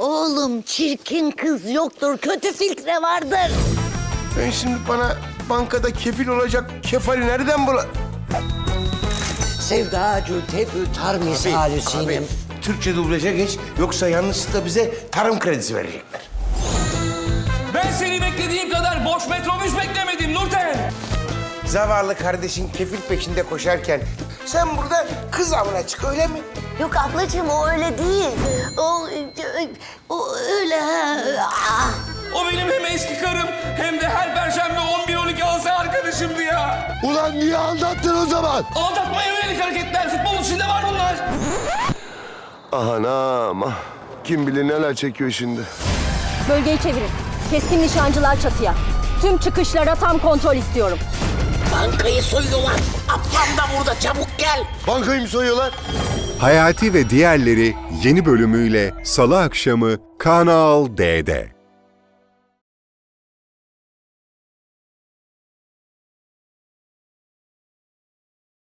Oğlum çirkin kız yoktur, kötü filtre vardır. Ben şimdi bana bankada kefil olacak kefali nereden bula... Sevdacı tebü tar misali sinem. Türkçe dublaja geç, yoksa yanlışlıkla bize tarım kredisi verecekler. Ben seni beklediğim kadar boş metrobüs beklemedim Nurten. Zavallı kardeşin kefil peşinde koşarken sen burada kız avına çık, öyle mi? Yok ablacığım o öyle değil. O öyle ha. Ah. O benim hem eski karım hem de her perşembe 11-12 alsa arkadaşımdı ya. Ulan niye anlattın o zaman? Aldatmaya yönelik hareketler, futbolun içinde var bunlar. Anam ah. Kim bilir neler çekiyor şimdi. Bölgeyi çevirin. Keskin nişancılar çatıya. Tüm çıkışlara tam kontrol istiyorum. Bankayı soyuyorlar. Ablam da burada, çabuk gel. Bankayı mı soyuyorlar? Hayati ve diğerleri yeni bölümüyle Salı akşamı Kanal D'de.